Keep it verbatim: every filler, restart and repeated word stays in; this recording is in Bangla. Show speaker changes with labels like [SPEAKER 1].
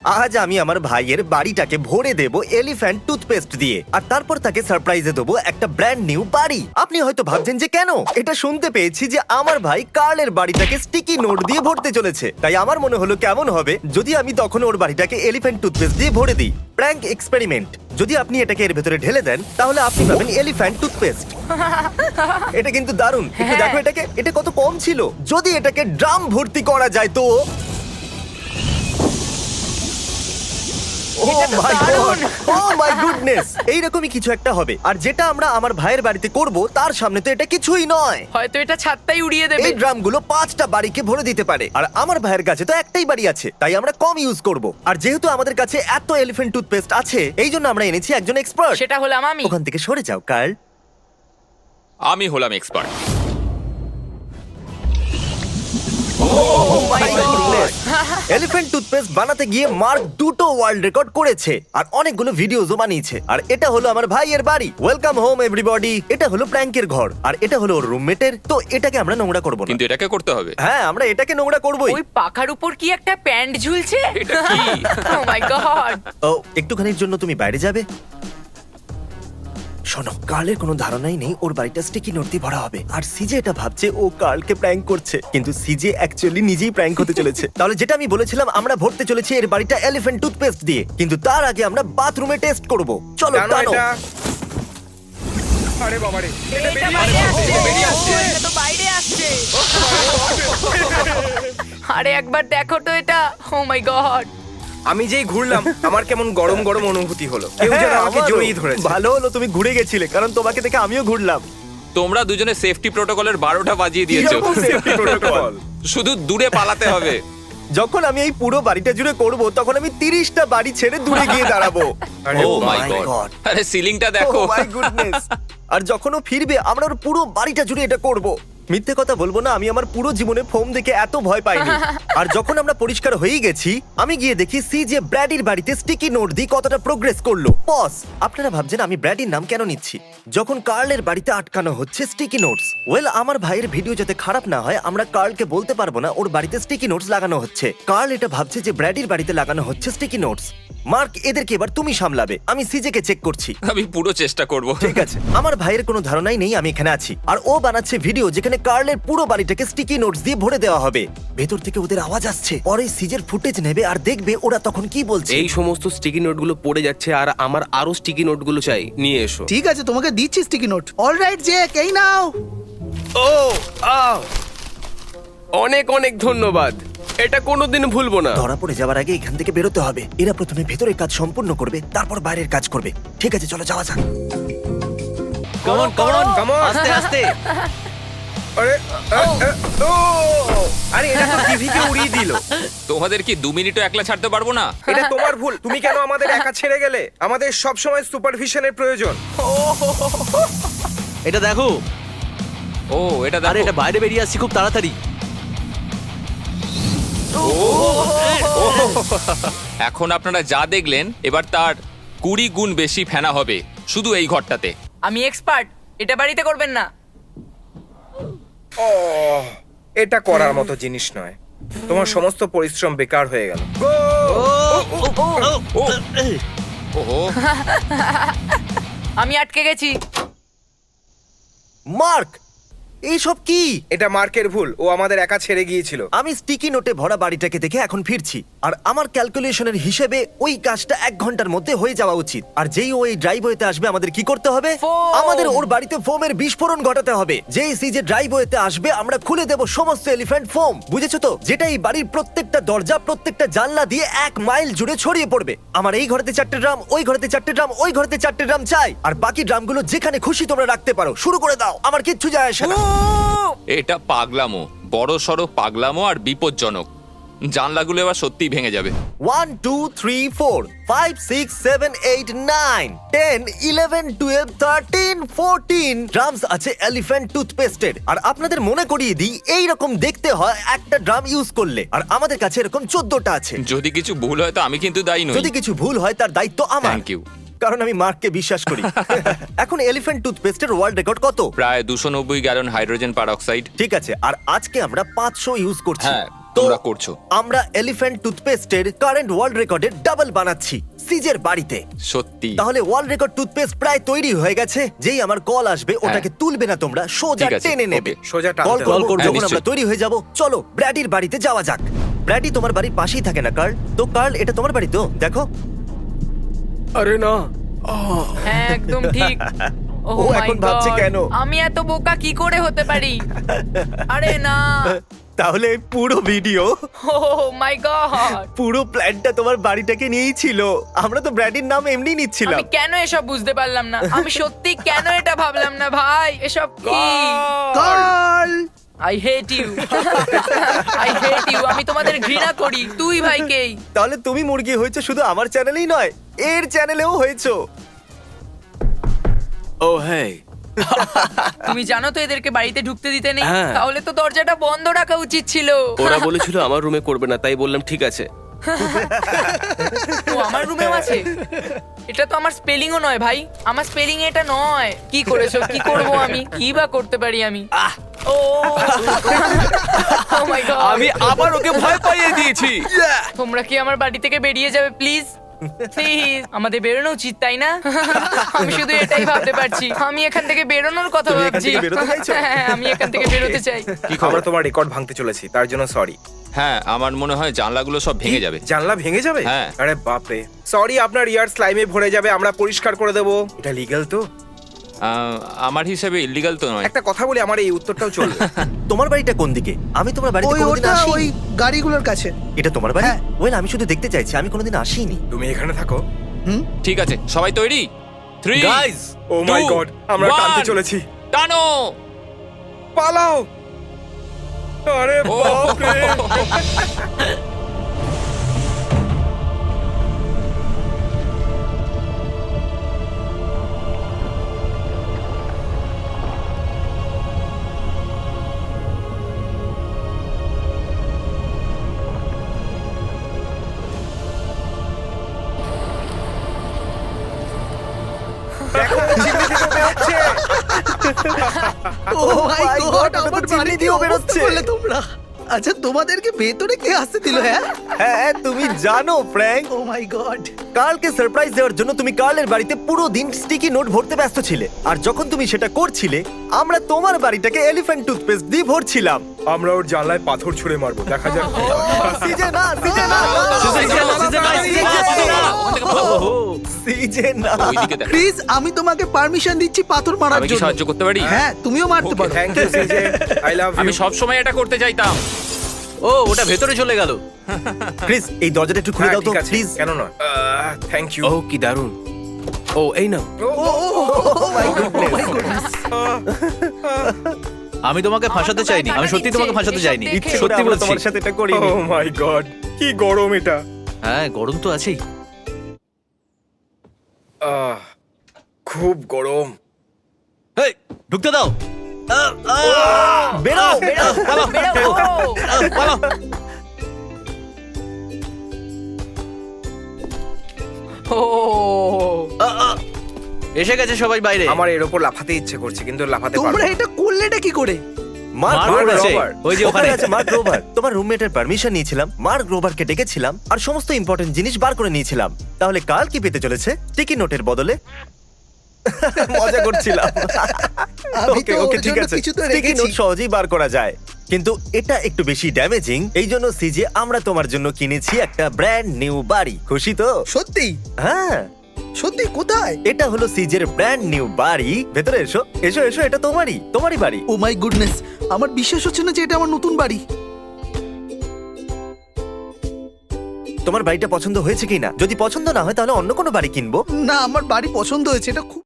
[SPEAKER 1] আজ আমি আমার ভাইয়ের বাড়িটাকে ভরে দেব এলিফ্যান্ট টুথপেস্ট দিয়ে, আর তারপর তাকে সারপ্রাইজে দেবো একটা ব্র্যান্ড নিউ বাড়ি। আপনি হয়তো ভাবছেন যে কেন, এটা শুনতে পেয়েছি যে আমার ভাই কার্লের বাড়িটাকে স্টিকি নোট দিয়ে ভরতে চলেছে, তাই আমার মনে হলো কেমন হবে যদি আমি তখন ওর বাড়িটাকে এলিফ্যান্ট টুথপেস্ট দিয়ে ভরে দিই। Prank experiment. যদি আপনি এটাকে এর ভেতরে ঢেলে দেন তাহলে আপনি পাবেন এলিফ্যান্ট টুথপেস্ট। এটা কিন্তু দারুণ। একটু দেখো এটাকে, এটা কত কম ছিল। যদি এটাকে ড্রাম ভর্তি করা যায় তো Oh my God! Oh my goodness! এইরকমই কিছু একটা হবে, আর যেটা আমরা আমার ভাইয়ের বাড়িতে করব তার সামনে তো এটা কিছুই নয়।
[SPEAKER 2] হয়তো এটা ছাদটাই উড়িয়ে দেবে।
[SPEAKER 1] এই ড্রামগুলো পাঁচটা বাড়িকে ভরে দিতে পারে, আর আমার ভাইয়ের কাছে তো একটাই বাড়ি আছে, তাই আমরা কম ইউজ করব। আর যেহেতু আমাদের কাছে এত এলিফ্যান্ট টুথপেস্ট আছে, এই জন্য আমরা এনেছি একজন এক্সপার্ট।
[SPEAKER 2] সেটা হলাম আমি।
[SPEAKER 1] ওখান থেকে সরে যাও কার্ল।
[SPEAKER 3] আমি হলাম এক্সপার্ট।
[SPEAKER 1] এলিফ্যান্ট টুথপেস্ট বানাতে গিয়ে মার্ক দুটো ওয়ার্ল্ড রেকর্ড করেছে আর অনেকগুলো ভিডিওজও বানিয়েছে। আর এটা হলো আমার ভাইয়ের বাড়ি। Welcome home everybody. এটা হলো প্র্যাঙ্কের ঘর, আর এটা হলো ওর রুমমেটের। তো এটাকে আমরা নোংরা করব না।
[SPEAKER 3] কিন্তু এটাকে করতে হবে।
[SPEAKER 1] হ্যাঁ, আমরা এটাকে নোংরা করবই।
[SPEAKER 2] ওই পাখার উপর কি একটা প্যান্ট ঝুলছে?
[SPEAKER 3] এটা কি?
[SPEAKER 2] ও মাই গড!
[SPEAKER 1] ও, একটুখানির জন্য তুমি বাইরে যাবে? শোনো, কার্লের কোনো ধারণাই নেই ওর বাড়িটা স্টিকি নোট দিয়ে ভরা হবে, আর সিজে এটা ভাবছে ও কার্লকে প্র্যাঙ্ক করছে, কিন্তু সিজে অ্যাকচুয়ালি নিজেই প্র্যাঙ্ক হতে চলেছে। তাহলে যেটা আমি বলেছিলাম, আমরা ভরতে চলেছি এর বাড়িটা এলিফ্যান্ট টুথপেস্ট দিয়ে, কিন্তু তার আগে আমরা বাথরুমে টেস্ট করব। চলো
[SPEAKER 4] জানো
[SPEAKER 1] টানো।
[SPEAKER 4] এটা? আরে বাবারে, এটা
[SPEAKER 2] এটা
[SPEAKER 4] বেরিয়ে
[SPEAKER 2] বাইরে
[SPEAKER 4] আসছে,
[SPEAKER 2] আসছে।
[SPEAKER 4] এটা বেরিয়ে আসছে।
[SPEAKER 2] ও, এটা তো বাইরে আসছে। আরে একবার দেখো তো এটা। Oh my God!
[SPEAKER 4] আমি যেই ঘুরলাম আমার কেমন গরম গরম অনুভূতি হলো, কেউ যেন
[SPEAKER 1] হ্যাঁ,
[SPEAKER 4] আমাকে
[SPEAKER 1] আমারও।
[SPEAKER 4] জড়িয়ে ধরেছে।
[SPEAKER 1] ভালো হলো তুমি ঘুরে গেছিলে, কারণ তোমাকে দেখে আমিও ঘুরলাম।
[SPEAKER 3] তোমরা দুজনে সেফটি প্রোটোকলের বারোটা বাজিয়ে দিয়েছো।
[SPEAKER 1] কিরকম safety protocol?
[SPEAKER 3] শুধু দূরে পালাতে হবে।
[SPEAKER 1] যখন আমি এই পুরো বাড়িটা জুড়ে করব, তখন আমি তিরিশটা বাড়ি ছেড়ে দূরে গিয়ে দাঁড়াবো।
[SPEAKER 4] আরে
[SPEAKER 3] oh my
[SPEAKER 1] my
[SPEAKER 3] God!
[SPEAKER 1] God!
[SPEAKER 3] আরে সিলিংটা দেখো।
[SPEAKER 1] Oh my goodness! আর যখন ও ফিরবে আমরা ওর পুরো বাড়িটা জুড়ে এটা করব। মিথ্যে কথা বলবো না, আমি আমার পুরো জীবনে ফোম দেখে এত ভয় পাইনি। আর যখন আমরা পরিষ্কার হয়ে গেছি, আমি গিয়ে দেখি সি যে ব্র্যাডির বাড়িতে স্টিকি নোট দিয়ে কতটা প্রোগ্রেস করলো। বস, আপনারা ভাবছেন আমি ব্র্যাডির নাম কেন নিচ্ছি যখন কার্লের বাড়িতে আটকানো হচ্ছে স্টিকি নোটস। ওয়েল, আমার ভাইয়ের ভিডিও যাতে খারাপ না হয়, আমরা কার্লকে বলতে পারবো না ওর বাড়িতে স্টিকি নোটস লাগানো হচ্ছে। কার্ল এটা ভাবছে যে ব্র্যাডির বাড়িতে লাগানো হচ্ছে স্টিকি নোটস। মার্ক, এদেরকে এবার তুমি সামলাবে, আমি সিজেকে চেক করছি।
[SPEAKER 3] আমি পুরো চেষ্টা করব।
[SPEAKER 1] ঠিক আছে, আমার ভাইয়ের কোনো ধারণাই নেই আমি এখানে আছি, আর ও বানাচ্ছে ভিডিও যেখানে কার্লের পুরো বাড়িটাকে স্টিকি নোটস দিয়ে ভরে দেওয়া হবে। ভেতর থেকে ওদের আওয়াজ আসছে, পরে সিজের ফুটেজ নেবে আর দেখবে ওরা তখন কি বলছে।
[SPEAKER 5] এই সমস্ত স্টিকি নোটগুলো পড়ে যাচ্ছে আর আমার আরো স্টিকি নোটগুলো চাই, নিয়ে এসো।
[SPEAKER 6] ঠিক আছে, তোমাকে দিচ্ছি স্টিকি নোট। অলরাইট জেক, এই নাও।
[SPEAKER 5] ও আহ! অনেক অনেক ধন্যবাদ, এটা কোনোদিন ভুলবো না।
[SPEAKER 1] ধরা পড়ে যাওয়ার আগে এখান থেকে বেরোতে হবে। এরা প্রথমে ভেতরের কাজ সম্পূর্ণ করবে, তারপর বাইরের কাজ করবে। ঠিক আছে, চলো যাওয়া যাক।
[SPEAKER 5] Come on come on
[SPEAKER 4] Come on!
[SPEAKER 5] আস্তে আস্তে।
[SPEAKER 4] আরে আ, আ, ও! আরে এটা তো টিভিকে উড়িয়ে দিল।
[SPEAKER 3] তোমাদের কি দু মিনিটও একলা ছাড়তে পারবো না?
[SPEAKER 4] এটা তোমার ভুল, তুমি কেন আমাদের একা ছেড়ে গেলে? আমাদের সব সময় সুপারভিশনের প্রয়োজন।
[SPEAKER 5] এটা দেখো,
[SPEAKER 3] ও এটা
[SPEAKER 5] আরে
[SPEAKER 3] দেখো।
[SPEAKER 5] এটা বাইরে বেরিয়ে আসছি খুব তাড়াতাড়ি।
[SPEAKER 3] এখন আপনারা যা দেখলেন এবার তার কুড়ি গুণ বেশি ফেনা হবে শুধু এই ঘরটাতে।
[SPEAKER 2] আমি এক্সপার্ট, এটা বাড়িতে করবেন না।
[SPEAKER 4] ও, এটা করার মতো জিনিস নয়। তোমার সমস্ত পরিশ্রম বেকার হয়ে গেল।
[SPEAKER 3] ও ওহো,
[SPEAKER 2] আমি আটকে গেছি।
[SPEAKER 1] মার্ক, এইসব কি?
[SPEAKER 4] এটা মার্কের ভুল, ও আমাদের একা ছেড়ে গিয়েছিল।
[SPEAKER 1] আমি স্টিকি নোটে ভরা বাড়িটাকে দেখে এখন ফিরছি, আর আমার ক্যালকুলেশনের হিসেবে ওই কাজটা এক ঘন্টার মধ্যে হয়ে যাওয়া উচিত। আর যেই ওই ড্রাইভওয়েতে আসবে আমাদের কি করতে হবে?
[SPEAKER 2] ফোম!
[SPEAKER 1] আমাদের ওর বাড়িতে ফোমের বিস্ফোরণ ঘটাতে হবে। যেই সিজে ড্রাইভওয়েতে আসবে আমরা খুলে দেব সমস্ত এলিফ্যান্ট ফোম। বুঝেছো তো? যেটা এই বাড়ির প্রত্যেকটা দরজা, প্রত্যেকটা জানলা দিয়ে এক মাইল জুড়ে ছড়িয়ে পড়বে। আমার এই ঘরেতে চারটে ড্রাম, ওই ঘরেতে চারটে ড্রাম, ওই ঘরেতে চারটে ড্রাম চাই, আর বাকি ড্রামগুলো যেখানে খুশি তোমরা রাখতে পারো। শুরু করে দাও, আমার কিচ্ছু যায় আসে না।
[SPEAKER 3] এটা পাগলামো, বড় সড়ো পাগলামো আর বিপজ্জনক। জানলাগুলো এবার সত্যিই ভেঙে যাবে।
[SPEAKER 1] One two three four five six seven eight nine ten eleven twelve thirteen fourteen drums আছে এলিফ্যান্ট টুথপেস্টের। আর আপনাদের মনে করিয়ে দিই, এইরকম দেখতে হয় একটা ড্রাম ইউজ করলে, আর আমাদের কাছে এরকম চোদ্দটা আছে।
[SPEAKER 3] যদি কিছু ভুল হয় তো আমি কিন্তু দায়ী নই।
[SPEAKER 1] যদি কিছু ভুল হয় তার দায়িত্ব আমার।
[SPEAKER 3] Thank you.
[SPEAKER 1] কারণ আমি মার্ককে বিশ্বাস করি। এখন এলিফ্যান্ট টুথপেস্টের ওয়ার্ল্ড রেকর্ড কত?
[SPEAKER 3] প্রায় দুশো নব্বই গ্যালন হাইড্রোজেন পারঅক্সাইড।
[SPEAKER 1] ঠিক আছে, আর আজকে আমরা পাঁচশো ইউজ করছি।
[SPEAKER 3] হ্যাঁ, তোমরা করছো।
[SPEAKER 1] আমরা এলিফ্যান্ট টুথপেস্টের কারেন্ট ওয়ার্ল্ড রেকর্ডের ডাবল বানাচ্ছি সিজের বাড়িতে।
[SPEAKER 3] সত্যি
[SPEAKER 1] তাহলে ওয়ার্ল্ড রেকর্ড টুথপেস্ট প্রায় তৈরি হয়ে গেছে। যেই আমার কল আসবে ওটাকে তুলবে না তোমরা, সোজা
[SPEAKER 3] ঠিক আছে,
[SPEAKER 1] টেনে নেবে।
[SPEAKER 3] ওকে।
[SPEAKER 4] সোজা টানতে
[SPEAKER 1] কল
[SPEAKER 4] হবে।
[SPEAKER 1] করবো
[SPEAKER 3] হ্যাঁ,
[SPEAKER 1] যখন
[SPEAKER 3] নিশ্চয়ই।
[SPEAKER 1] আমরা তৈরি হয়ে যাব। চলো ব্র্যাডির বাড়িতে যাওয়া যাক। ব্র্যাডি তোমার বাড়ির পাশেই থাকে না কার্ল? তো কার্ল, এটা তোমার বাড়ি তো? দেখো
[SPEAKER 5] আরে না,
[SPEAKER 2] হ্যাঁ একদম ঠিক।
[SPEAKER 1] ও
[SPEAKER 2] Oh my
[SPEAKER 1] এখন ভাবছে
[SPEAKER 2] God!
[SPEAKER 1] কেন?
[SPEAKER 2] আমি এত বোকা কি করে হতে পারি? আরে না,
[SPEAKER 1] তাহলে এই পুরো ভিডিও,
[SPEAKER 2] ও মাই গড,
[SPEAKER 1] পুরো প্ল্যানটা তোমার বাড়িটাকে নিয়েই ছিল। আমরা তো ব্র্যাডির নাম এমনি নিচ্ছিলাম।
[SPEAKER 2] আমি কেন এসব বুঝতে পারলাম না? আমি সত্যি কেন এটা ভাবলাম না ভাই? এসব কি?
[SPEAKER 6] Karl
[SPEAKER 2] I hate you, I hate you. আমি তোমাদের ঘৃণা করি। তুই ভাইকেই।
[SPEAKER 1] তাহলে তুমি মুরগি হয়েছো শুধু আমার চ্যানেলেই নয়, এর চ্যানেলেও হয়েছো।
[SPEAKER 5] ও হ্যাঁ,
[SPEAKER 2] তুমি জানো তো এদেরকে বাড়িতে ঢুকতে দিতে নেই।
[SPEAKER 5] হ্যাঁ।
[SPEAKER 2] তাহলে তো দরজাটা বন্ধ রাখা উচিত ছিল।
[SPEAKER 5] ওরা বলেছিল আমার রুমে করবে না, তাই বললাম ঠিক আছে।
[SPEAKER 2] ও আমার রুমেও আছে। এটা তো আমার স্পেলিংও নয় ভাই, আমার স্পেলিং এটা নয়। কি করেছো? কি করব আমি? কি বা করতে পারি আমি? ও ও মাই গড,
[SPEAKER 5] আমি আবার ওকে ভয় পাইয়ে দিয়েছি।
[SPEAKER 2] তোমরা কি আমার বাড়ি থেকে বেরিয়ে যাবে প্লিজ? প্লিজ, আমাদের বেরোনো উচিত তাই না? আমি শুধু এটাই ভাবতে পারছি। আমি এখান থেকে বেরোনোর কথা
[SPEAKER 1] তুমি এখান
[SPEAKER 2] ভাবছি।
[SPEAKER 1] থেকে বেরোতে চাইছো?
[SPEAKER 2] হ্যাঁ, আমি এখান থেকে বেরোতে চাই।
[SPEAKER 3] কি খবর?
[SPEAKER 4] আমরা তোমার রেকর্ড ভাঙতে চলেছি, তার জন্য সরি।
[SPEAKER 3] হ্যাঁ, আমার মনে হয় জানলাগুলো সব ভেঙে যাবে।
[SPEAKER 4] জানলা ভেঙে যাবে?
[SPEAKER 3] হ্যাঁ।
[SPEAKER 4] আরে বাপরে, সরি, আপনার ইয়ার স্লাইমে ভরে যাবে, আমরা পরিষ্কার করে দেবো। এটা লিগ্যাল তো?
[SPEAKER 3] আহ, আমার হিসেবে ইলিগাল তো নয়।
[SPEAKER 4] একটা কথা বলি, আমার এই উত্তরটাও চলবে।
[SPEAKER 1] তোমার বাড়িটা কোন দিকে? আমি তোমার বাড়িতে
[SPEAKER 6] ওই
[SPEAKER 1] কোনোদিন
[SPEAKER 6] ওটা
[SPEAKER 1] আসিনি।
[SPEAKER 6] ওই গাড়িগুলোর কাছে।
[SPEAKER 1] এটা তোমার বাড়ি?
[SPEAKER 6] হ্যাঁ।
[SPEAKER 1] ওয়েল, আমি শুধু দেখতে চাইছি, আমি কোনোদিন আসিনি।
[SPEAKER 4] তুমি এখানে থাকো।
[SPEAKER 6] হুম
[SPEAKER 3] ঠিক আছে, সবাই তৈরি? Three
[SPEAKER 5] guys,
[SPEAKER 4] oh my God, আমরা টানতে চলেছি।
[SPEAKER 3] টানো।
[SPEAKER 4] পালাও! আরে
[SPEAKER 3] ও,
[SPEAKER 4] বাপরে! দেখো, চিমনি থেকে বেরোচ্ছে।
[SPEAKER 6] Oh my
[SPEAKER 1] my
[SPEAKER 6] God,
[SPEAKER 1] God, ওটা তো
[SPEAKER 6] আমার
[SPEAKER 1] চিমনি
[SPEAKER 6] বাড়ি
[SPEAKER 1] দিয়েও
[SPEAKER 6] দিয়েও
[SPEAKER 1] বেরোচ্ছে।
[SPEAKER 6] বেরোচ্ছে বলে তোমরা। আচ্ছা, তোমাদেরকে ভেতরে কে আসতে দিল? হ্যাঁ,
[SPEAKER 1] হ্যাঁ, তুমি জানো ফ্র্যাঙ্ক,
[SPEAKER 6] ও মাই গড।
[SPEAKER 1] কার্লকে সারপ্রাইজ দেওয়ার জন্য তুমি কার্লের বাড়িতে পুরো দিন স্টিকি নোট ভরতে ব্যস্ত ছিলে। আর যখন তুমি সেটা করছিলে, আমরা তোমার বাড়িটাকে এলিফ্যান্ট টুথপেস্ট দিয়ে ভরছিলাম।
[SPEAKER 4] আমরা ওর জানলায় পাথর ছুঁড়ে মারবো, দেখা যাক কি হয়।
[SPEAKER 1] সিজে না, সিজে না, সিজে না।
[SPEAKER 3] ওইদিকে দেখ।
[SPEAKER 6] প্লিজ, আমি তোমাকে পারমিশন দিচ্ছি পাথর মারার
[SPEAKER 3] আমি কি
[SPEAKER 6] জন্য।
[SPEAKER 3] সাহায্য করতে পারি?
[SPEAKER 6] হ্যাঁ, তুমিও মারতে
[SPEAKER 3] Okay,
[SPEAKER 6] পারো।
[SPEAKER 4] Thank you CJ, I love
[SPEAKER 3] আমি
[SPEAKER 4] ইউ।
[SPEAKER 3] সব সময় এটা করতে চাইতাম।
[SPEAKER 5] ও ওটা ভেতরে চলে গেল।
[SPEAKER 1] প্লিজ এই দরজাটা একটু খুলে দাও তো প্লিজ।
[SPEAKER 4] কেন নয়, থ্যাংক ইউ।
[SPEAKER 5] ও কি দারুণ। ও এই নাও।
[SPEAKER 7] আমি তোমাকে ফাঁসাতে
[SPEAKER 2] আমার তো
[SPEAKER 7] চাইনি,
[SPEAKER 2] গায়ে
[SPEAKER 7] আমি
[SPEAKER 2] কাঁটা
[SPEAKER 7] সত্যি তোমাকে
[SPEAKER 2] দিচ্ছে,
[SPEAKER 7] ফাঁসাতে
[SPEAKER 2] এসব
[SPEAKER 7] চাইনি।
[SPEAKER 2] দেখে।
[SPEAKER 1] ইচ্ছে করে
[SPEAKER 7] সত্যি
[SPEAKER 1] আমরা
[SPEAKER 7] বলছি।
[SPEAKER 1] তোমার সাথে এটা করিনি।
[SPEAKER 4] ও মাই গড, কি গরম এটা।
[SPEAKER 7] হ্যাঁ, গরম তো আছেই।
[SPEAKER 4] আহ, খুব গরম।
[SPEAKER 7] এই, ঢুকতে দাও। আহ, আহ,
[SPEAKER 1] বেরো, বেরো।
[SPEAKER 2] বেরো, ও।
[SPEAKER 7] আহ, পালাও।
[SPEAKER 2] ও
[SPEAKER 7] আহ, আহ। এসে গেছে সবাই বাইরে।
[SPEAKER 4] আমার এর উপর লাফাতে ইচ্ছে করছে, কিন্তু লাফাতে পারবো
[SPEAKER 6] তোমরা
[SPEAKER 4] না।
[SPEAKER 6] এটা করলেটা কি করে?
[SPEAKER 1] মার্ক
[SPEAKER 7] মার্ক
[SPEAKER 1] রোবার
[SPEAKER 7] আছে,
[SPEAKER 1] রোবার।
[SPEAKER 7] ওই যে ওখানে।
[SPEAKER 1] ওখানে আছে মার্ক রোবার। তোমার রুমমেটের পারমিশন নিয়েছিলাম, মার্ক রোবারকে ডেকেছিলাম আর সমস্ত ইম্পর্টেন্ট জিনিস বার করে নিয়েছিলাম। তাহলে কাল কি পেতে চলেছে? টিকি নোটের বদলে? মজা করছিলাম।
[SPEAKER 6] আমি
[SPEAKER 1] ওকে
[SPEAKER 6] তো
[SPEAKER 1] ওকে
[SPEAKER 6] ওর
[SPEAKER 1] ঠিক
[SPEAKER 6] জন্য
[SPEAKER 1] আছে,
[SPEAKER 6] কিছু তো
[SPEAKER 1] স্টিকি
[SPEAKER 6] রেখেছি।
[SPEAKER 1] নোট সহজেই বার করা যায়, কিন্তু এটা একটু বেশি ড্যামেজিং। এই জন্য সিজে আমরা তোমার জন্য কিনেছি একটা ব্র্যান্ড নিউ বাড়ি। খুশি তো?
[SPEAKER 6] সত্যি?
[SPEAKER 1] হ্যাঁ,
[SPEAKER 6] সত্যি? কোথায়?
[SPEAKER 1] এটা হলো সিজের ব্র্যান্ড নিউ বাড়ি। ভেতরে এসো, এসো এসো, এটা তোমারই, তোমারই বাড়ি।
[SPEAKER 6] ও মাই গুডনেস, আমার বিশ্বাস হচ্ছে না যে এটা আমার নতুন বাড়ি।
[SPEAKER 1] তোমার বাড়িটা পছন্দ হয়েছে কিনা? যদি পছন্দ না হয় তাহলে অন্য কোনো বাড়ি কিনবো।
[SPEAKER 6] না, আমার বাড়ি পছন্দ হয়েছে, এটা খুব